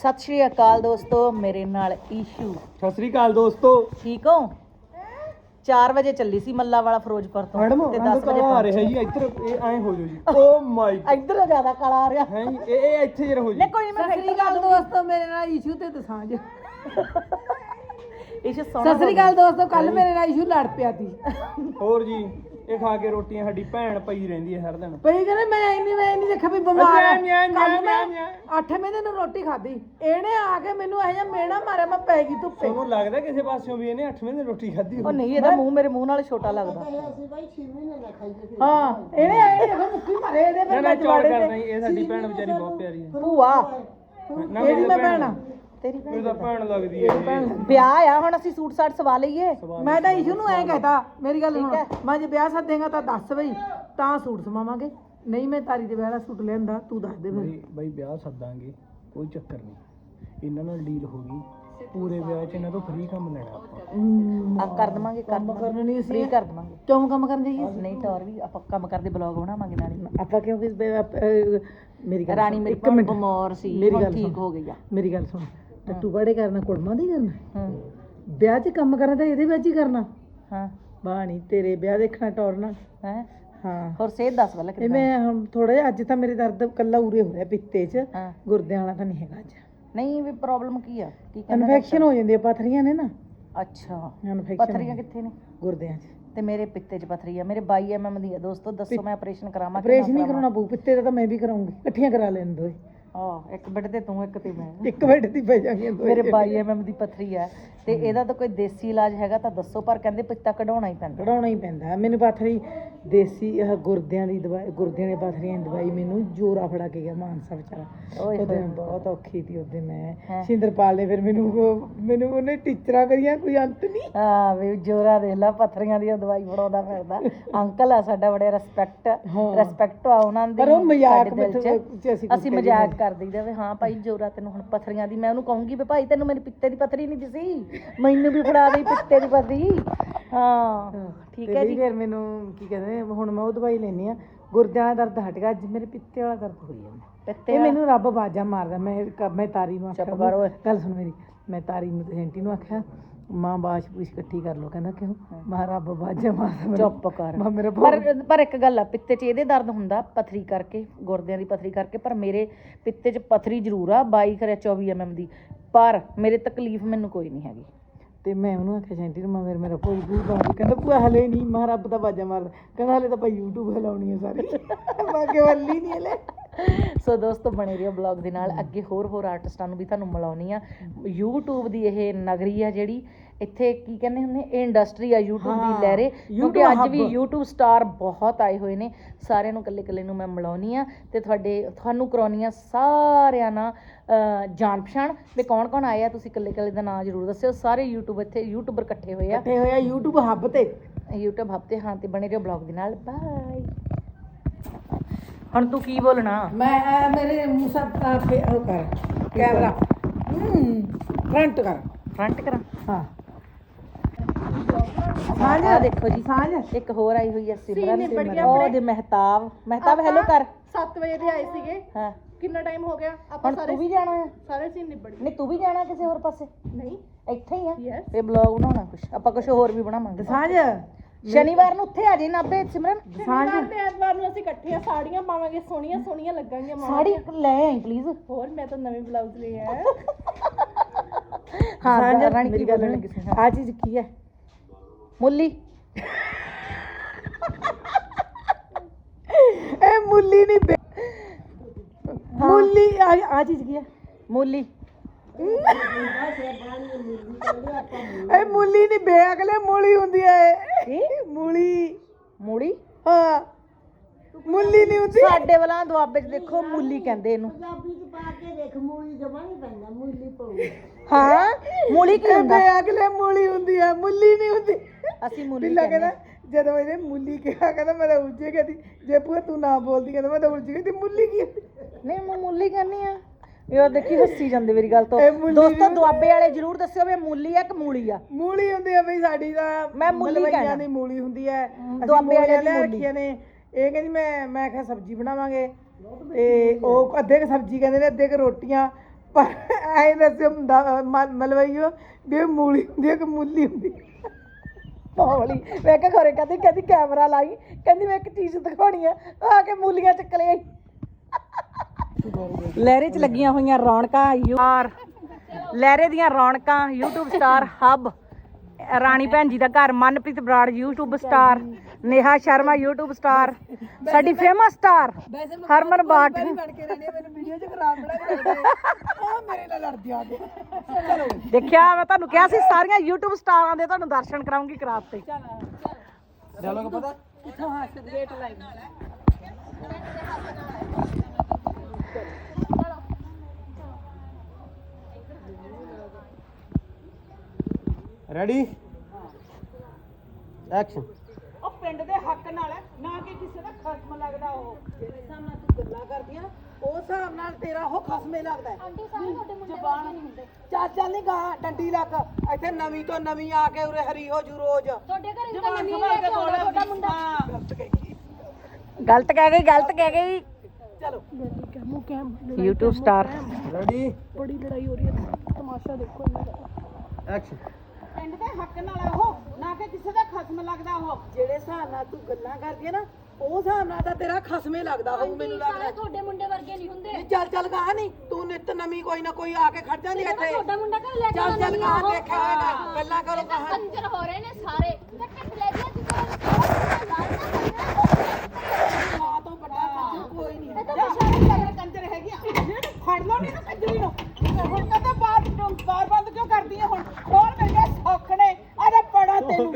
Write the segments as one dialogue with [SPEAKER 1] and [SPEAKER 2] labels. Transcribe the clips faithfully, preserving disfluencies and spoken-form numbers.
[SPEAKER 1] ਸਤਿ ਸ਼੍ਰੀ ਅਕਾਲ ਦੋਸਤੋ, ਮੇਰੇ ਨਾਲ ਈਸ਼ੂ।
[SPEAKER 2] ਸਤਿ ਸ੍ਰੀ ਅਕਾਲ ਦੋਸਤੋ।
[SPEAKER 1] ਠੀਕ ਹੋ? ਚਾਰ ਵਜੇ ਚੱਲੀ ਸੀ ਮੱਲਾ ਵਾਲਾ ਫਿਰੋਜ਼ਪੁਰ ਤੋਂ
[SPEAKER 2] ਮੈਡਮ
[SPEAKER 1] ਤੇ ਦਸ ਵਜੇ
[SPEAKER 2] ਆ ਰਿਹਾ ਜੀ। ਇੱਧਰ ਇਹ ਐ ਹੋ ਜਾਓ ਜੀ। ਓ ਮਾਈ
[SPEAKER 1] ਇੱਧਰ ਜ਼ਿਆਦਾ ਕਾਲਾ ਆ ਰਿਹਾ
[SPEAKER 2] ਹੈ ਜੀ। ਇਹ ਇਹ ਇੱਥੇ ਜਰਾ ਹੋ ਜੀ।
[SPEAKER 1] ਨਹੀਂ ਕੋਈ ਨਹੀਂ, ਮੈਂ
[SPEAKER 3] ਸਤਿ ਸ੍ਰੀ ਅਕਾਲ ਦੋਸਤੋ, ਮੇਰੇ ਨਾਲ ਈਸ਼ੂ ਤੇ ਦਸਾਂਜ।
[SPEAKER 1] ਈਸ਼ੂ ਸੋਹਣਾ।
[SPEAKER 3] ਸਤਿ ਸ੍ਰੀ ਅਕਾਲ ਦੋਸਤੋ, ਕੱਲ ਮੇਰੇ ਨਾਲ ਈਸ਼ੂ ਲੜ ਪਿਆ ਸੀ।
[SPEAKER 2] ਹੋਰ ਜੀ, ਇਹ ਖਾ ਕੇ ਰੋਟੀਆਂ ਸਾਡੀ ਭੈਣ ਪਈ ਰਹਿੰਦੀ ਹੈ ਹਰ ਦਿਨ।
[SPEAKER 3] ਪਈ ਕਹਿੰਦੇ ਮੈਂ ਇੰਨੀ ਮੈਂ ਨਹੀਂ ਦੇਖਿਆ ਵੀ ਬਿਮਾਰ ਆ।
[SPEAKER 2] ਨਿਆ, ਨਿਆ,
[SPEAKER 3] ਕੱਲ
[SPEAKER 2] ਨਿਆ,
[SPEAKER 3] ਮੈਂ ਅੱਠਵੇਂ ਦਿਨ ਰੋਟੀ ਖਾਧੀ, ਇਹਨੇ ਆ ਕੇ ਮੈਨੂੰ ਇਹ ਜਿਹਾ ਮੇਣਾ ਮਾਰਿਆ, ਮੈਂ ਪੈ ਗਈ ਧੁੱਪੇ।
[SPEAKER 2] ਤੁਹਾਨੂੰ ਲੱਗਦਾ ਕਿਸੇ ਪਾਸਿਓਂ ਵੀ ਇਹਨੇ ਅੱਠਵੇਂ ਦਿਨ ਰੋਟੀ ਖਾਧੀ
[SPEAKER 1] ਉਹ ਨਹੀਂ, ਇਹਦਾ ਮੂੰਹ ਮੇਰੇ ਮੂੰਹ ਨਾਲ ਛੋਟਾ ਲੱਗਦਾ।
[SPEAKER 3] ਹਾਂ, ਇਹਨੇ ਐ ਦੇਖੋ ਮੁੱਕੀ ਮਾਰੇ ਇਹਦੇ
[SPEAKER 2] ਨਾ
[SPEAKER 3] ਫਿਰ
[SPEAKER 2] ਨਾ ਚੌੜ
[SPEAKER 3] ਜਵਾੜੇ
[SPEAKER 2] ਕਰਦਾ
[SPEAKER 3] ਤੇ।
[SPEAKER 2] ਜੀ। ਇਹ ਸਾਡੀ ਭੈਣ ਵਿਚਾਰੀ ਬਹੁਤ ਪਿਆਰੀ ਹੈ।
[SPEAKER 1] ਭੂਆ
[SPEAKER 2] ਨਾ
[SPEAKER 3] ਇਹਦੀ ਮੈਂ ਭੈਣ ਆ।
[SPEAKER 1] ਤੇਰੀ
[SPEAKER 2] ਮੇਰੀ ਤਾਂ ਭੈਣ ਲੱਗਦੀ ਹੈ ਜੀ।
[SPEAKER 1] ਵਿਆਹ ਆ, ਹੁਣ ਅਸੀਂ ਸੂਟ ਸਾਟ ਸਵਾ ਲਈਏ।
[SPEAKER 3] ਮੈਂ ਤਾਂ ਈਸ਼ੂ ਨੂੰ ਐ ਕਹਤਾ, ਮੇਰੀ ਗੱਲ ਸੁਣ, ਮੈਂ ਜੇ ਵਿਆਹ ਸੱਦੇਗਾ ਤਾਂ ਦੱਸ ਬਈ, ਤਾਂ ਸੂਟ ਸਮਾਵਾਂਗੇ। ਨਹੀਂ ਮੈਂ ਤਾਰੀ ਦੇ ਵਿਆਹ ਦਾ ਸੂਟ ਲੈਂਦਾ, ਤੂੰ ਦੱਸ ਦੇ ਫਿਰ।
[SPEAKER 2] ਬਈ ਬਈ ਵਿਆਹ ਸੱਦਾਂਗੇ, ਕੋਈ ਚੱਕਰ ਨਹੀਂ। ਇਹਨਾਂ ਨਾਲ ਡੀਲ ਹੋ ਗਈ, ਪੂਰੇ ਵਿਆਹ 'ਚ ਇਹਨਾਂ ਤੋਂ ਫ੍ਰੀ ਕੰਮ ਲੈਣਾ ਆਪਾਂ।
[SPEAKER 1] ਆ ਕਰ ਦਵਾਂਗੇ, ਕੰਮ
[SPEAKER 3] ਕਰਨ ਨਹੀਂ
[SPEAKER 1] ਫ੍ਰੀ ਕਰ ਦਵਾਂਗੇ।
[SPEAKER 3] ਕਿਉਂ ਕੰਮ ਕਰਨ ਜਾਈਏ?
[SPEAKER 1] ਨਹੀਂ ਟੌਰ ਵੀ ਆਪਾਂ ਕੰਮ ਕਰਦੇ ਬਲੌਗ ਬਣਾਵਾਂਗੇ ਨਾਲੇ।
[SPEAKER 3] ਆਪਾਂ ਕਿਉਂਕਿ ਅਹ, ਮੇਰੀ ਗੱਲ
[SPEAKER 1] ਰਾਣੀ
[SPEAKER 3] ਸੁਣ,
[SPEAKER 1] ਮੇਰੀ
[SPEAKER 3] ਇੱਕ ਮਿੰਟ
[SPEAKER 1] ਬਿਮਾਰ ਸੀ,
[SPEAKER 3] ਮੇਰੀ
[SPEAKER 1] ਹੁਣ
[SPEAKER 3] ਗੱਲ
[SPEAKER 1] ਠੀਕ
[SPEAKER 3] ਸੁਣ।
[SPEAKER 1] ਹੋ ਗਈ ਆ।
[SPEAKER 3] ਮੇਰੀ ਗੱਲ ਸੁਣ, ਟੱਟੂ ਬਾੜੇ ਕਰਨਾ, ਕੁੜਮਾ ਦੀ ਕਰਨਾ,
[SPEAKER 1] ਹੂੰ
[SPEAKER 3] ਵਿਆਹ 'ਚ ਕੰਮ ਕਰਨਾ ਤਾਂ ਇਹਦੇ ਵਿੱਚ ਹੀ ਕਰਨਾ।
[SPEAKER 1] ਹਾਂ
[SPEAKER 3] ਬਾਣੀ ਤੇਰੇ ਵਿਆਹ ਦੇਖਣਾ ਟੌਰਨਾ।
[SPEAKER 1] ਹੈ।
[SPEAKER 3] ਹਾਂ,
[SPEAKER 1] ਹੋਰ ਸਿਹਤ ਦੱਸ ਪਹਿਲਾਂ
[SPEAKER 3] ਇਹ
[SPEAKER 1] ਕਿੱਦਾਂ?
[SPEAKER 3] ਮੈਂ ਹੁਣ ਥੋੜਾ ਜਿਹਾ ਅੱਜ ਤਾਂ ਮੇਰੇ ਦਰਦ ਕੱਲਾ ਉਰੇ ਹੋ ਰਿਹਾ ਪਿੱਤੇ 'ਚ,
[SPEAKER 1] ਹਾਂ
[SPEAKER 3] ਗੁਰਦਿਆਂ ਵਾਲਾ ਤਾਂ ਨਹੀਂ ਹੈਗਾ ਅੱਜ।
[SPEAKER 1] ਨਹੀਂ ਵੀ ਪ੍ਰੋਬਲਮ ਕੀ ਆ? ਕੀ ਕਹਿੰਦਾ
[SPEAKER 3] ਇਨਫੈਕਸ਼ਨ ਹੋ ਜਾਂਦੀ ਹੈ, ਪੱਥਰੀਆਂ ਨੇ ਨਾ।
[SPEAKER 1] ਡਾਕਟਰ? ਅੱਛਾ,
[SPEAKER 3] ਇਨਫੈਕਸ਼ਨ
[SPEAKER 1] ਪੱਥਰੀਆਂ ਕਿੱਥੇ ਨੇ?
[SPEAKER 3] ਗੁਰਦਿਆਂ 'ਚ।
[SPEAKER 1] ਤੇ ਮੇਰੇ ਪਿੱਤੇ 'ਚ ਪੱਥਰੀ ਆ। ਮੇਰੇ ਬਾਈ ਐਮ ਐਮ ਦੀ ਆ ਦੋਸਤੋ। ਦੱਸੋ ਮੈਂ ਆਪਰੇਸ਼ਨ ਕਰਾਵਾਂ ਕਿ
[SPEAKER 3] ਆਪਰੇਸ਼ਨ ਨਹੀਂ ਕਰਾਉਣਾ ਪਊ, ਪਿੱਤੇ ਦਾ ਤਾਂ ਮੈਂ ਵੀ ਕਰਾਉਂਗੀ, ਇਕੱਠੀਆਂ ਕਰਾ ਲੈਣ ਦੋਏ।
[SPEAKER 1] ਆਹ ਇੱਕ ਬੈੱਡ ਤੇ ਤੂੰ, ਇੱਕ ਤੇ ਮੈਂ।
[SPEAKER 3] ਇੱਕ ਬੈੱਡ ਦੀ ਪੈ ਜਾਣਗੀਆਂ ਦੋਏ।
[SPEAKER 1] ਮੇਰੇ ਬਾਈ ਐਮ ਐਮ ਦੀ ਪੱਥਰੀ ਆ ਤੇ ਇਹਦਾ ਤਾਂ ਕੋਈ ਦੇਸੀ ਇਲਾਜ ਹੈਗਾ ਤਾਂ ਦੱਸੋ, ਪਰ ਕਹਿੰਦੇ ਪਿੱਤਾ ਕਢਾਉਣਾ ਹੀ ਪੈਂਦਾ।
[SPEAKER 3] ਕਢਾਉਣਾ ਹੀ ਪੈਂਦਾ। ਮੈਨੂੰ ਪੱਥਰੀ ਦੇਸੀ ਆਹ ਗੁਰਦਿਆਂ ਦੀ ਦਵਾਈ, ਗੁਰਦਿਆਂ ਦੀਆਂ ਪੱਥਰੀਆਂ ਦੀ ਦਵਾਈ ਮੈਨੂੰ ਜੋਰਾ ਫੜਾ ਕੇ ਗਿਆ ਮਾਨਸਾ ਵਿਚਾਰਾ।
[SPEAKER 1] ਓਏ
[SPEAKER 3] ਉਹਦੇ
[SPEAKER 1] ਹੋਏ।
[SPEAKER 3] ਬਹੁਤ ਔਖੀ ਸੀ ਉਹਦੇ ਮੈਂ।
[SPEAKER 1] ਹੈਂ।
[SPEAKER 3] ਸਿੰਦਰਪਾਲ ਨੇ ਫਿਰ ਮੈਨੂੰ ਉਹ- ਮੈਨੂੰ ਉਹਨੇ ਟੀਚਰਾਂ ਕਰੀਆਂ, ਕੋਈ ਅੰਤ ਨਹੀਂ।
[SPEAKER 1] ਹਾਂ ਵੀ ਜੋਰਾ ਦੇਖ ਲਾ, ਪੱਥਰੀਆਂ ਦੀ ਦਵਾਈ ਬਣਾਉਂਦਾ ਫਿਰਦਾ। ਅੰਕਲ ਆ ਸਾਡਾ, ਬੜੇ ਰਿਸਪੈਕਟ ਰਿਸਪੈਕਟ ਆ ਉਹਨਾਂ ਦੀ।
[SPEAKER 3] ਪਰ ਉਹ ਮਜ਼ਾਕ
[SPEAKER 1] ਸਾਡੇ ਦਿਲ 'ਚ।
[SPEAKER 3] ਵਿੱਚ ਅਸੀਂ
[SPEAKER 1] ਅਸੀਂ ਮਜ਼ਾਕ ਕਰ ਦਈਦਾ ਵੀ ਹਾਂ ਭਾਈ ਜੋਰਾ ਤੈਨੂੰ ਹੁਣ ਪੱਥਰੀਆਂ ਦੀ। ਮੈਂ ਉਹਨੂੰ ਕਹੂੰਗੀ ਵੀ ਭਾਈ ਤੈਨੂੰ ਮੇਰੀ ਪਿੱਤੇ ਦੀ ਪੱਥਰੀ ਨਹੀਂ ਦਿਸੀ, ਮੈਨੂੰ ਵੀ ਫੜਾ ਦੇ ਪਿੱਤੇ ਦੀ ਪੱਥਰੀ। ਹਾਂ ਠੀਕ ਹੈ ਜੀ।
[SPEAKER 3] ਫਿਰ ਮੈਨੂੰ ਕੀ ਕਹਿੰਦੇ, ਹੁਣ ਮੈਂ ਉਹ ਦਵਾਈ ਲੈਣੀ ਆ, ਗੁਰਦਿਆਂ ਦਾ ਦਰਦ ਹਟ ਗਿਆ, ਅੱਜ ਮੇਰੇ ਪਿੱਤੇ ਵਾਲਾ ਦਰਦ ਹੋਈ ਜਾਂਦਾ।
[SPEAKER 1] ਪਿੱਤੇ
[SPEAKER 3] ਇਹ ਮੈਨੂੰ ਰੱਬ ਬਾਜਾ ਮਾਰਦਾ। ਮੈਂ ਮੈਂ ਤਾਰੀ ਨੂੰ ਆਖਿਆ,
[SPEAKER 1] ਚੁੱਪ ਕਰ ਓਏ।
[SPEAKER 3] ਗੱਲ ਸੁਣ ਮੇਰੀ, ਮੈਂ ਤਾਰੀ ਨੂੰ ਤੇ ਸੈਂਟੀ ਨੂੰ ਆਖਿਆ, ਮਾਂ ਬਾਸ਼ ਬੂਸ਼ ਇਕੱਠੀ ਕਰ ਲੋ। ਕਹਿੰਦਾ ਕਿਉਂ? ਮੈਂ ਰੱਬ ਬਾਜਾ ਮਾਰਦਾ।
[SPEAKER 1] ਚੁੱਪ ਕਰ।
[SPEAKER 3] ਮੈਂ ਮੇਰਾ
[SPEAKER 1] ਪਰ ਪਰ ਇੱਕ ਗੱਲ ਆ, ਪਿੱਤੇ 'ਚ ਇਹਦੇ ਦਰਦ ਹੁੰਦਾ ਪੱਥਰੀ ਕਰਕੇ, ਗੁਰਦਿਆਂ ਦੀ ਪੱਥਰੀ ਕਰਕੇ, ਪਰ ਮੇਰੇ ਪਿੱਤੇ 'ਚ ਪੱਥਰੀ ਜ਼ਰੂਰ ਆ ਬਾਈ ਖਰਿਆ ਚੌਵੀ ਐਮ ਐਮ ਦੀ, ਪਰ ਮੇਰੇ ਤਕਲੀਫ ਮੈਨੂੰ ਕੋਈ ਨਹੀਂ ਹੈਗੀ।
[SPEAKER 3] ਤੇ ਮੈਂ ਉਹਨੂੰ ਆਖਿਆ ਸੈਂਟੀ ਨੂੰ, ਮੈਂ ਮੇਰਾ ਮੇਰਾ ਭੂਆ ਭੂਆ ਬਾਜੀ। ਕਹਿੰਦਾ ਭੂਆ ਹਲੇ ਨਹੀਂ, ਮੈਂ ਰੱਬ ਦਾ ਬਾਜਾ ਮਾਰਦਾ। ਕਹਿੰਦਾ ਹਲੇ ਤਾਂ ਭਾਈ ਯੂਟਿਊਬ ਹਲਾਉਣੀ ਹੈ ਸਾਰੀ। ਮੈਂ ਕਿਹਾ ਵੱਲੀ ਨਹੀਂ ਹਲੇ।
[SPEAKER 1] ਸੋ ਦੋਸਤੋ ਬਣੇ ਰਹੋ ਬਲੌਗ ਦੇ ਨਾਲ। ਅੱਗੇ ਹੋਰ ਹੋਰ ਆਰਟਿਸਟਾਂ ਨੂੰ ਵੀ ਤੁਹਾਨੂੰ ਮਿਲਾਉਣੀ ਆ। YouTube ਦੀ ਇਹ ਨਗਰੀ ਆ ਜਿਹੜੀ, ਇੱਥੇ ਕੀ ਕਹਿੰਦੇ ਹੁੰਦੇ, ਇਹ ਇੰਡਸਟਰੀ ਆ YouTube ਦੀ ਲਹਿਰੇ, ਕਿਉਂਕਿ ਅੱਜ ਵੀ YouTube ਸਟਾਰ ਬਹੁਤ ਆਏ ਹੋਏ ਨੇ। ਸਾਰਿਆਂ ਨੂੰ ਇਕੱਲੇ ਇਕੱਲੇ ਨੂੰ ਮੈਂ ਮਿਲਾਉਣੀ ਆ ਤੇ ਤੁਹਾਡੇ ਤੁਹਾਨੂੰ ਕਰਾਉਣੀ ਆ ਸਾਰਿਆਂ ਨਾਲ ਜਾਣ ਪਛਾਣ ਵੀ ਕੌਣ ਕੌਣ ਆਏ ਆ। ਤੁਸੀਂ ਇਕੱਲੇ ਇਕੱਲੇ ਦਾ ਨਾਂ ਜ਼ਰੂਰ ਦੱਸਿਓ। ਸਾਰੇ YouTube ਇੱਥੇ ਯੂਟਿਊਬਰ ਇਕੱਠੇ ਹੋਏ ਆ,
[SPEAKER 3] ਇਕੱਠੇ ਹੋਇਆ YouTube ਹੱਬ ਤੇ।
[SPEAKER 1] YouTube ਹੱਬ ਤੇ। ਹਾਂ ਤੇ ਬਣੇ ਰਹੋ ਬਲੌਗ ਦੇ ਨਾਲ। ਬਾਏ। ਹੁਣ ਤੂੰ ਕੀ ਬੋਲਣਾ?
[SPEAKER 3] ਮੈਂ ਮੇਰੇ ਮੂੰਹ ਸਭ ਉਹ ਕਰ ਕੈਮਰਾ ਫਰੰਟ ਕਰ,
[SPEAKER 1] ਫਰੰਟ ਕਰਾਂ?
[SPEAKER 3] ਹਾਂ।
[SPEAKER 1] ਸਾਂਝ ਆ ਦੇਖੋ ਜੀ,
[SPEAKER 3] ਸਾਂਝ
[SPEAKER 1] ਇੱਕ ਹੋਰ ਆਈ ਹੋਈ ਹੈ ਸਿਮਰਨ।
[SPEAKER 4] ਨਿਬੜ ਗਿਆ
[SPEAKER 1] ਉਹ ਦੇ ਮਹਿਤਾਬ। ਮਹਿਤਾਬ ਹੈਲੋ ਕਰ।
[SPEAKER 4] ਸੱਤ ਵਜੇ ਦੇ ਆਏ ਸੀਗੇ।
[SPEAKER 1] ਹਾਂ
[SPEAKER 4] ਕਿੰਨਾ ਟਾਈਮ ਹੋ ਗਿਆ? ਆਪਾਂ
[SPEAKER 1] ਹੁਣ
[SPEAKER 4] ਸਾਰੇ
[SPEAKER 1] ਤੂੰ ਵੀ ਜਾਣਾ ਆ?
[SPEAKER 4] ਸਾਰੇ ਸੀਨ ਨਿਬੜ ਗਏ।
[SPEAKER 1] ਨਹੀਂ ਤੂੰ ਵੀ ਜਾਣਾ ਕਿਸੇ ਹੋਰ ਪਾਸੇ?
[SPEAKER 4] ਨਹੀਂ
[SPEAKER 1] ਇੱਥੇ ਹੀ ਆ
[SPEAKER 4] Yes.
[SPEAKER 1] ਇਹ ਬਲੌਗ ਬਣਾਉਣਾ, ਕੁਛ ਆਪਾਂ ਕੁਛ ਹੋਰ ਵੀ ਬਣਾਵਾਂਗੇ।
[SPEAKER 3] ਸਾਂਝ
[SPEAKER 1] ਸ਼ਨੀਵਾਰ ਨੂੰ ਉੱਥੇ ਆ ਜੇ ਨਾਭੇ ਸਿਮਰਨ।
[SPEAKER 4] ਸ਼ਨੀਵਾਰ ਤੇ ਐਤਵਾਰ ਨੂੰ ਅਸੀਂ ਇਕੱਠੇ ਆ, ਸਾੜੀਆਂ ਪਾਵਾਂਗੇ, ਸੋਹਣੀਆਂ ਸੋਹਣੀਆਂ ਲੱਗਾਂਗੀਆਂ ਮਾਂ।
[SPEAKER 1] ਸਾੜੀ ਲੈ ਆਈ ਪਲੀਜ਼।
[SPEAKER 4] ਹੋਰ ਮੈਂ ਤਾਂ ਨਵੇਂ ਬਲਾਊਜ਼ ਲਏ ਆ।
[SPEAKER 1] ਹਾਂ
[SPEAKER 3] ਸਾਂਝ
[SPEAKER 1] ਰਾਣੀ ਕੀ
[SPEAKER 3] ਮੇਰੀ ਗੱਲ
[SPEAKER 1] ਬੋਲਣ ਲੱਗੀ ਸੀ?
[SPEAKER 3] ਆ ਚੀਜ਼ ਕੀ ਹੈ?
[SPEAKER 1] ਮੁੱਲੀ।
[SPEAKER 3] ਇਹ ਮੁੱਲੀ ਨਹੀਂ ਬੇ- ਮੁੱਲੀ ਆ ਆ ਚੀਜ਼ ਕੀ ਹੈ?
[SPEAKER 1] ਮੁੱਲੀ।
[SPEAKER 3] ਇਹ ਮੁੱਲੀ ਨਹੀਂ ਬੇ ਅਗਲੇ ਮੂਲੀ ਹੁੰਦੀ ਹੈ।
[SPEAKER 1] ਕੀ?
[SPEAKER 3] ਮੂਲੀ।
[SPEAKER 1] ਮੂੜੀ?
[SPEAKER 3] ਹਾਂ, ਮੁੱਲੀ ਨਹੀਂ ਹੁੰਦੀ।
[SPEAKER 1] ਸਾਡੇ ਵਾਲਾ ਦੁਆਬੇ 'ਚ ਦੇਖੋ ਮੁੱਲੀ ਕਹਿੰਦੇ ਇਹਨੂੰ। ਹਾਂ ਮੂਲੀ ਕੀ
[SPEAKER 3] ਇਹ
[SPEAKER 1] ਹੁੰਦਾ?
[SPEAKER 3] ਬੇ ਅਗਲੇ ਮੂਲੀ ਹੁੰਦੀ ਹੈ, ਮੁੱਲੀ ਨਹੀਂ ਹੁੰਦੀ।
[SPEAKER 1] ਅਸੀਂ ਮੁੱਲੀ
[SPEAKER 3] ਬਿੱਲਾ
[SPEAKER 1] ਕਹਿੰਦੇ
[SPEAKER 3] ਕਹਿੰਦਾ ਜਦੋਂ ਇਹਨੇ ਮੁੱਲੀ ਕਿਹਾ, ਕਹਿੰਦਾ ਮੈਂ ਤਾਂ ਉਲਝ ਗਿਆ ਸੀ। ਜੇ ਭੂਆ ਤੂੰ ਨਾ ਬੋਲਦੀ, ਕਹਿੰਦਾ ਮੈਂ ਤਾਂ ਉਲਝ ਗਈ ਸੀ। ਮੁੱਲੀ ਕੀ ਹੁੰਦੀ?
[SPEAKER 1] ਨਹੀਂ ਮੈਂ ਮੁੱਲੀ ਕਹਿੰਦੀ ਆ। ਯਾਰ ਦੇਖੀ ਹੱਸੀ ਜਾਂਦੇ ਮੇਰੀ ਗੱਲ ਤੋਂ।
[SPEAKER 3] ਇਹ ਮੁੱਲੀ
[SPEAKER 1] ਦੋਸਤੋ
[SPEAKER 3] ਨੀ-
[SPEAKER 1] ਦੁਆਬੇ ਵਾਲੇ ਜਰੂਰ ਦੱਸਿਓ ਵੀ ਇਹ ਮੂਲੀ ਆ ਕਿ ਮੂਲੀ ਆ।
[SPEAKER 3] ਮੂਲੀ ਹੁੰਦੀ ਹੈ ਬਈ, ਸਾਡੀ ਤਾਂ
[SPEAKER 1] ਮੈਂ ਮੁੱਲੀ
[SPEAKER 3] ਮਲਵਈਆਂ
[SPEAKER 1] ਕਹਿਣਾ।
[SPEAKER 3] ਦੀ ਮੂਲੀ ਹੁੰਦੀ ਹੈ। ਅਸੀਂ
[SPEAKER 1] ਦੁਆਬੇ ਵਾਲਿਆਂ
[SPEAKER 3] ਮੂਲੀਆਂ
[SPEAKER 1] ਦੀ
[SPEAKER 3] ਲੈ
[SPEAKER 1] ਮੁੱਲੀ।
[SPEAKER 3] ਰੱਖੀਆਂ ਨੇ। ਇਹ ਕਹਿੰਦੀ ਮੈਂ ਮੈਂ ਕਿਹਾ ਸਬਜ਼ੀ ਬਣਾਵਾਂਗੇ, ਤੇ ਉਹ ਅੱਧੇ ਕ ਸਬਜ਼ੀ ਕਹਿੰਦੇ ਨੇ, ਅੱਧੇ ਕ ਰੋਟੀਆਂ। ਪਰ ਐ ਦੱਸਿਓ ਹੁੰਦਾ ਮ- ਮਲਵਈਓ ਵੀ ਇਹ ਮੂਲੀ ਹੁੰਦੀ ਹੈ ਕਿ ਮੂਲੀ ਹੁੰਦੀ
[SPEAKER 1] ਪਾਵਲੀ ਮੈਂ ਕਿਹਾ ਘਰੇ ਕਹਿੰਦੀ ਕਹਿੰਦੀ ਕੈਮਰਾ ਲਾਈ ਕਹਿੰਦੀ ਮੈਂ ਇੱਕ ਚੀਜ਼ ਦਿਖਾਉਣੀ ਆ ਆ ਕੇ ਮੂਲੀਆਂ ਚੱਕ ਲਿਆਈ ਲਹਿਰੇ 'ਚ ਲੱਗੀਆਂ ਹੋਈਆਂ ਰੌਣਕਾਂ ਯਾਰ ਲਹਿਰੇ ਦੀਆਂ ਰੌਣਕਾਂ YouTube ਸਟਾਰ ਹੱਬ ਰਾਣੀ ਭੈਣ ਜੀ ਦਾ ਘਰ Manpreet Brar YouTube star Neha Sharma YouTube star ਸਾਡੀ ਫੇਮਸ ਸਟਾਰ ਹਰਮਨ ਬਾਟ
[SPEAKER 3] ਬਣ ਕੇ ਰਹਿਣੀ ਮੈਨੂੰ ਵੀਡੀਓ 'ਚ ਖਰਾਬ ਬਣਾ ਕੇ ਰੱਖਦੇ ਆ ਮੇਰੇ ਨਾਲ ਲੜਦੀ ਆ ਕੇ ਚਲੋ
[SPEAKER 1] ਦੇਖਿਆ ਮੈਂ ਤੁਹਾਨੂੰ ਕਿਹਾ ਸੀ ਸਾਰੀਆਂ YouTube ਸਟਾਰਾਂ ਦੇ ਤੁਹਾਨੂੰ ਦਰਸ਼ਨ ਕਰਾਉਂਗੀ ਕਰਾਤੇ
[SPEAKER 2] ਚਲੋ ਪਤਾ
[SPEAKER 3] ਇੱਥੋਂ ਹੱਥ ਗੇਟ ਲਾਈ
[SPEAKER 2] ਰੈਡੀ ਐਕਸ਼ਨ
[SPEAKER 3] ਉਹ ਪਿੰਡ ਦੇ ਹੱਕ ਨਾਲ ਹੈ, ਨਾ ਕਿ ਕਿਸੇ ਦਾ ਖਸਮ ਲੱਗਦਾ ਉਹ ਜਿਹੜੇ ਹਿਸਾਬ ਨਾਲ ਤੂੰ ਗੱਲਾਂ ਕਰਦੀਆਂ ਉਸ ਹਿਸਾਬ ਨਾਲ ਤੇਰਾ ਉਹ ਖਸਮੇ ਲੱਗਦਾ ਹੈ।
[SPEAKER 4] ਆਂਟੀ ਸਾਰੇ ਤੁਹਾਡੇ ਮੁੰਡੇ
[SPEAKER 3] ਜ਼ਬਾਨ
[SPEAKER 4] ਨਹੀਂ ਹੁੰਦੇ
[SPEAKER 3] ਚੱਲ ਚੱਲ ਨੀ ਗਾ ਡੰਡੀ ਲੱਗ ਇੱਥੇ ਨਵੀਂ ਤੋਂ ਨਵੀਂ ਆ ਕੇ ਉਰੇ ਹਰੀ ਹੋ ਜੂ ਰੋਜ਼
[SPEAKER 4] ਤੁਹਾਡੇ ਘਰੇ ਤਾਂ ਨਵੀਂ ਲੈ ਕੇ ਆਉਂਦਾ ਤੁਹਾਡਾ ਮੁੰਡਾ
[SPEAKER 3] ਗਲਤ ਕਹੀ
[SPEAKER 1] ਗਲਤ ਕਹਿ ਗਈ ਗਲਤ ਕਹਿ ਗਈ
[SPEAKER 3] ਚਲੋ
[SPEAKER 1] YouTube ਸਟਾਰ
[SPEAKER 2] ਰੈਡੀ
[SPEAKER 4] ਬੜੀ ਲੜਾਈ ਹੋ ਰਹੀ ਹੈ ਤਮਾਸ਼ਾ ਦੇਖੋ ਇਹਨਾਂ ਦਾ
[SPEAKER 2] ਐਕਸ਼ਨ
[SPEAKER 3] ਪਿੰਡ ਦੇ ਹੱਕ ਨਾਲ ਹੈ ਉਹ ਨਾ ਕਿ ਕਿਸੇ ਦਾ ਖਸਮ ਲੱਗਦਾ ਉਹ ਜਿਹੜੇ ਹਿਸਾਬ ਨਾਲ ਤੂੰ ਗੱਲਾਂ ਕਰਦੀ ਹੈ ਨਾ ਉਹ ਹਿਸਾਬ ਨਾਲ ਤਾਂ ਤੇਰਾ ਖਸਮੇ ਲੱਗਦਾ ਹੋਊ ਮੈਨੂੰ ਲੱਗਦਾ
[SPEAKER 4] ਸਾਰੇ ਤੁਹਾਡੇ ਮੁੰਡੇ ਵਰਗੇ ਨਹੀਂ ਹੁੰਦੇ
[SPEAKER 3] ਨਹੀਂ ਚੱਲ ਚੱਲ ਗਾ ਨਹੀਂ ਤੂੰ ਨਿੱਤ ਨਵੀਂ ਕੋਈ ਨਾ ਕੋਈ ਆ ਕੇ ਖੜ ਜਾਂਦੀ ਇੱਥੇ
[SPEAKER 4] ਤੁਹਾਡਾ ਮੁੰਡਾ ਘਰ ਲੈ ਕੇ
[SPEAKER 3] ਚੱਲ
[SPEAKER 4] ਆਉਂਦਾ
[SPEAKER 3] ਚੱਲ
[SPEAKER 4] ਨਹੀਂ
[SPEAKER 3] ਗਾ
[SPEAKER 4] ਉਹ
[SPEAKER 3] ਦੇਖਿਆ ਹੋਵੇਗਾ ਗੱਲਾਂ ਕਰੋ ਕਹਾਂ
[SPEAKER 4] ਕੰਜਰ ਹੋ ਰਹੇ ਨੇ ਸਾਰੇ ਕੱਟੇ ਲੈ ਗਿਆ
[SPEAKER 3] ਮਾਂ ਤੋਂ ਵੱਡਾ ਕੰਜਰ ਕੋਈ ਨਹੀਂ
[SPEAKER 4] ਇਹ ਤਾਂ ਸਾਰੇ
[SPEAKER 3] ਕੰਜਰ ਹੈਗੀ ਫੜ ਲਓ ਨਹੀਂ ਤਾਂ ਕੰਜਰੀ ਨੂੰ ਹੁਣ ਕਦੇ ਬਾਤ ਬਾਰ ਬੰਦ ਕਿਉਂ ਕਰਦੀ ਹੈ ਹੁਣ ਹੋਰ ਮੇਰੇ ਸੁੱਖ ਨੇ ਅਰੇ ਪੜਾ ਤੈਨੂੰ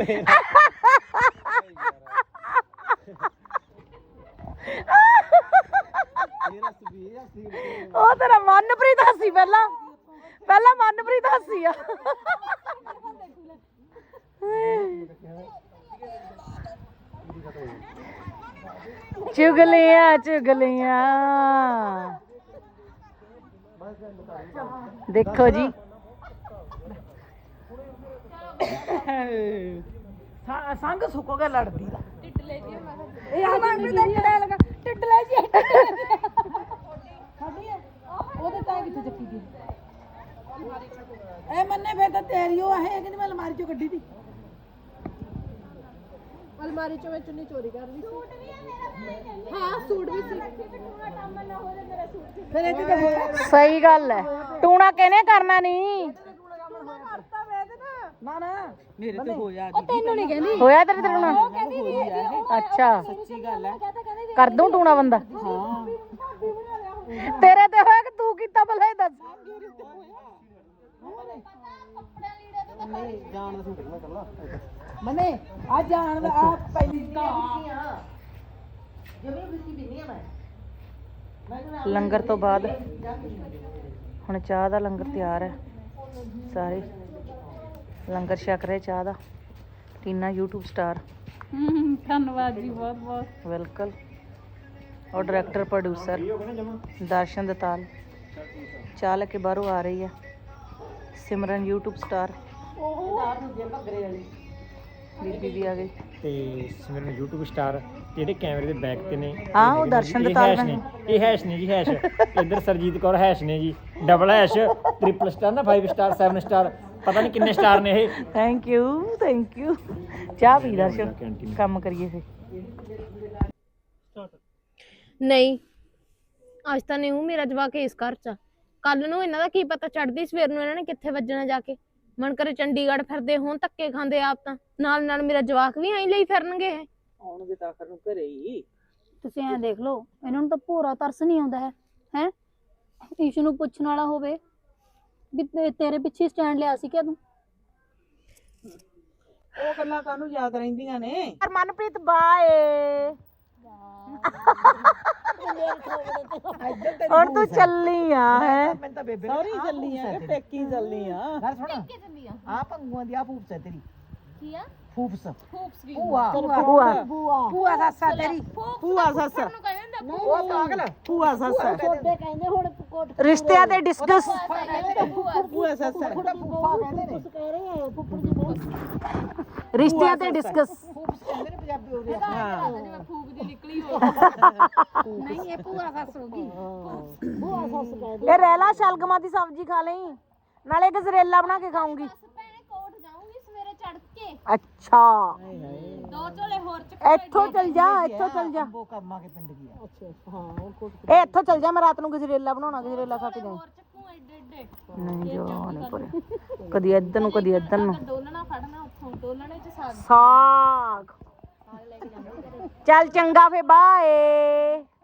[SPEAKER 1] ਉਹ ਤੇਰਾ ਮਨਪ੍ਰੀਤ ਹੱਸੀ ਪਹਿਲਾਂ ਪਹਿਲਾਂ ਮਨਪ੍ਰੀਤ ਹੱਸੀ ਆ ਚੁਗਲੀਆਂ ਚੁਗਲੀਆਂ ਦੇਖੋ ਜੀ
[SPEAKER 3] ਸੰਗ ਸੁੱਕੋਗਾ ਲੜਦੀ ਦਾ
[SPEAKER 4] ਟਿੱਡ ਲੈ ਜੀ ਮੈਂ
[SPEAKER 3] ਇਹ ਆ ਮੈਂ ਤਾਂ ਕਿਹੜਾ ਲਗਾ
[SPEAKER 4] ਟਿੱਡ ਲੈ ਜੀ
[SPEAKER 3] ਸਾਡੀ ਹੈ ਉਹਦੇ ਤਾਂ ਕਿੱਥੇ ਚੱਕੀ ਗਈ ਇਹ ਮੰਨੇ ਫੇਰ ਤਾਂ ਤੇਰੀ ਉਹ ਹੈ ਕਿ ਮੈਂ ਅਲਮਾਰੀ ਚੋਂ ਕੱਢੀ ਤੀ
[SPEAKER 4] ਅਲਮਾਰੀ ਚੋਂ ਮੈਂ ਚੁੰਨੀ ਚੋਰੀ ਕਰ ਲਈ ਸੂਟ ਵੀ ਹੈ ਮੇਰਾ ਹਾਂ ਸੂਟ ਵੀ ਸੀ ਟੂਣਾ ਟਾਮਾ ਨਾ ਹੋ ਜਾ ਮੇਰਾ ਸੂਟ
[SPEAKER 3] ਫਿਰ ਇੱਥੇ ਤਾਂ ਹੋਇਆ
[SPEAKER 1] ਸਹੀ ਗੱਲ ਹੈ ਟੂਣਾ ਕਿਹਨੇ ਕਰਨਾ ਨਹੀਂ
[SPEAKER 3] ਕਰਤਾ ਵੇ ਇਹਦੇ ਨਾ ਨਾ ਨਾ ਮੇਰੇ ਤੇ ਹੋਇਆ
[SPEAKER 4] ਉਹ ਤੈਨੂੰ ਨਹੀਂ ਕਹਿੰਦੀ
[SPEAKER 1] ਹੋਇਆ ਤੇਰੇ ਤੇ ਟੂਣਾ
[SPEAKER 4] ਉਹ ਕਹਿੰਦੀ ਵੀ ਹੈਗੀ ਉਹ
[SPEAKER 1] ਅੱਛਾ
[SPEAKER 3] ਸੱਚੀ ਗੱਲ ਹੈ
[SPEAKER 4] ਕਹਤਾ ਕਹਿੰਦੀ
[SPEAKER 1] ਕਰ ਦੂੰ ਟੂਣਾ ਬੰਦਾ
[SPEAKER 3] ਹਾਂ
[SPEAKER 4] ਭਾਬੀ ਬਣਾ ਲਿਆ ਹੁਣ
[SPEAKER 1] ਤੇਰੇ ਤੇ ਹੋਇਆ ਕਿ ਤੂੰ ਕੀਤਾ ਭਲਾ ਇਹ ਦੱਸ
[SPEAKER 4] ਕੱਪੜਾ ਲੀੜੇ ਤੇ ਤਾਂ
[SPEAKER 3] ਨਹੀਂ ਜਾਣ ਦਾ ਸੂਟ ਨਾ ਕੱਲਾ ਮਨੇ ਆ ਜਾਣ ਦਾ ਆ ਪਹਿਲੀ
[SPEAKER 1] ਲੰਗਰ ਤੋਂ ਬਾਅਦ ਹੁਣ ਚਾਹ ਦਾ ਲੰਗਰ ਤਿਆਰ ਹੈ ਸਾਰੇ ਲੰਗਰ ਛਕ ਰਹੇ ਚਾਹ ਦਾ ਟੀਨਾ YouTube ਸਟਾਰ
[SPEAKER 4] ਧੰਨਵਾਦ ਜੀ ਬਹੁਤ ਬਹੁਤ
[SPEAKER 1] ਵੈਲਕਮ ਔਰ ਡਾਇਰੈਕਟਰ ਪ੍ਰੋਡਿਊਸਰ ਦਰਸ਼ਨ ਦਤਾਲ ਚਾਹ ਲੈ ਕੇ ਬਾਹਰੋਂ ਆ ਰਹੀ ਹੈ ਸਿਮਰਨ YouTube ਸਟਾਰ ਬੀਬੀ ਵੀ ਆ ਗਈ
[SPEAKER 2] ਤੇ ਸਿਮਰਨ YouTube ਸਟਾਰ ਜਿਹੜੇ ਕੈਮਰੇ ਦੇ ਬੈਕ ਤੇ ਨੇ
[SPEAKER 1] ਹਾਂ ਉਹ ਦਰਸ਼ਨ ਦਤਾਲ
[SPEAKER 2] ਨੇ ਇਹ ਹੈਸ਼ ਨੇ ਜੀ ਹੈਸ਼ ਇੱਧਰ ਸਰਜੀਤ ਕੌਰ ਹੈਸ਼ ਨੇ ਜੀ ਡਬਲ ਹੈਸ਼ ਟ੍ਰਿਪਲ ਸਟਾਰ ਨਾ ਫਾਈਵ ਸਟਾਰ ਸੈਵਨ ਸਟਾਰ ਪਤਾ ਨਹੀਂ ਕਿੰਨੇ ਸਟਾਰ ਨੇ ਇਹ
[SPEAKER 1] ਥੈਂਕ ਯੂ ਥੈਂਕ ਯੂ ਚਾਹ ਪੀ ਦਰਸ਼ਨ ਕੰਮ ਕਰੀਏ ਫੇ
[SPEAKER 5] ਨਹੀਂ ਅੱਜ ਤਾਂ ਨਹੀਂ ਹੂੰ ਮੇਰਾ ਜਵਾਕ ਇਸ ਘਰ ਚ ਕੱਲ ਨੂੰ ਇਹਨਾਂ ਦਾ ਕੀ ਪਤਾ ਚੜਦੀ ਸਵੇਰ ਨੂੰ ਇਹਨਾਂ ਨੇ ਕਿੱਥੇ ਵੱਜਣਾ ਜਾ ਕੇ ਮਨ ਕਰੇ ਚੰਡੀਗੜ੍ਹ ਫਿਰਦੇ ਹੋਣ ਧੱਕੇ ਖਾਂਦੇ ਆਪ ਤਾਂ ਨਾਲ ਨਾਲ ਮੇਰਾ ਜਵਾਕ ਵੀ ਐਂ ਲਈ ਫਿਰਨਗੇ ਇਹ
[SPEAKER 3] ਆਉਣਗੇ ਤਾਂ ਆਖਰ ਨੂੰ ਘਰੇ ਹੀ
[SPEAKER 4] ਤੁਸੀਂ ਐਂ ਦੇਖ ਲਓ ਇਹਨਾਂ ਨੂੰ ਤਾਂ ਭੋਰਾ ਤਰਸ ਨਹੀਂ ਆਉਂਦਾ ਹੈ ਹੈ ਈਸ਼ੂ ਨੂੰ ਪੁੱਛਣ ਵਾਲਾ ਹੋਵੇ ਵੀ ਤੇ- ਤੇਰੇ ਪਿੱਛੇ ਸਟੈਂਡ ਲਿਆ ਸੀ ਕਿ ਤੂੰ
[SPEAKER 3] ਉਹ ਗੱਲਾਂ ਕਾਹਨੂੰ ਯਾਦ ਰਹਿੰਦੀਆਂ ਨੇ
[SPEAKER 1] ਮਨਪ੍ਰੀਤ ਬਾਏ ਹੁਣ ਤੂੰ ਚੱਲੀ ਆ ਹੈ
[SPEAKER 3] ਮੈਂ ਤਾਂ ਬੇਬੇ ਸੌਰੀ ਚੱਲੀ ਆ ਕਿ ਪੇਕੀ ਚੱਲੀ ਆ ਗੱਲ ਸੁਣ ਆ ਪੰਗੂਆਂ ਦੀ ਆ ਫੂਫਸ ਹੈ ਤੇਰੀ
[SPEAKER 4] ਕੀ ਆ
[SPEAKER 3] ਫੂਫਸ
[SPEAKER 4] ਫੂਪਸ ਵੀ
[SPEAKER 3] ਭੂਆ
[SPEAKER 1] ਭੂਆ
[SPEAKER 3] ਭੂਆ ਸੱਸਾ ਤੇਰੀ ਭੂਆ ਸੱਸਾ
[SPEAKER 4] ਨੂੰ ਕਹਿੰਦੇ ਹੁੰਦਾ
[SPEAKER 3] ਉਹ ਪਾਗਲ ਭੂਆ ਸੱਸਾ
[SPEAKER 4] ਛੋਟੇ ਕਹਿੰਦੇ ਹੁਣ ਕੋਟ
[SPEAKER 1] ਰਿਸ਼ਤਿਆਂ ਤੇ ਡਿਸਕਸ
[SPEAKER 3] ਭੂਆ ਸੱਸਾ ਫੂਫਾ ਕਹਿੰਦੇ ਨੇ
[SPEAKER 4] ਕਹਿ ਰਹੇ ਆ ਫੁੱਫੜ ਜੀ ਬਹੁਤ
[SPEAKER 1] ਰਿਸ਼ਤਿਆਂ ਤੇ ਡਿਸਕਸ
[SPEAKER 3] ਫੂਫਸ ਕਹਿੰਦੇ ਨੇ ਪੰਜਾਬੀ ਉਹਦੇ ਹਾਂ
[SPEAKER 4] ਫੂਕ ਨਹੀਂ ਇਹ ਭੂਆ ਸੱਸ ਹੋ ਗਈ
[SPEAKER 3] ਭੂਆ ਸੱਸ ਕਹਿ
[SPEAKER 1] ਇਹ ਰਹਿਲਾ ਸ਼ਲਗਮਾਂ ਦੀ ਸਬਜ਼ੀ ਖਾ ਲਈ ਨਾਲੇ ਗਜਰੇਲਾ ਬਣਾ ਕੇ ਖਾਉਂਗੀ
[SPEAKER 5] ਭੈਣੇ ਕੋਟ ਜਾਊਂਗੀ ਸਵੇਰੇ ਚੜ ਕੇ
[SPEAKER 1] ਅੱਛਾ
[SPEAKER 5] ਦੋ ਝੋਲੇ ਹੋਰ ਚ
[SPEAKER 1] ਇੱਥੋਂ ਚੱਲ ਜਾ ਇੱਥੋਂ ਚੱਲ ਜਾ
[SPEAKER 3] ਉਹ ਕੰਮਾਂ ਕੇ ਪਿੰਡ ਗਿਆ ਅੱਛਾ ਹਾਂ ਉਹ ਕੋਟ
[SPEAKER 1] ਇਹ ਇੱਥੋਂ ਚੱਲ ਜਾ ਮੈਂ ਰਾਤ ਨੂੰ ਗਜਰੇਲਾ ਬਣਾਉਣਾ ਗਜਰੇਲਾ ਖਾ ਕੇ ਜਾਊਂ
[SPEAKER 5] ਹੋਰ ਚੱਕੂ ਐਡੇ ਐਡੇ
[SPEAKER 1] ਨਹੀਂ ਜੋ ਨਹੀਂ ਪਰੇ ਕਦੀ ਇੱਧਰ ਨੂੰ ਕਦੀ ਇੱਧਰ ਨੂੰ
[SPEAKER 5] ਡੋਲਣਾ ਫੜਨਾ ਉੱਥੋਂ ਡੋਲਣੇ ਚ ਸਾਗ
[SPEAKER 1] ਸਾਗ ਚੱਲ ਚੰਗਾ ਫੇ ਬਾਏ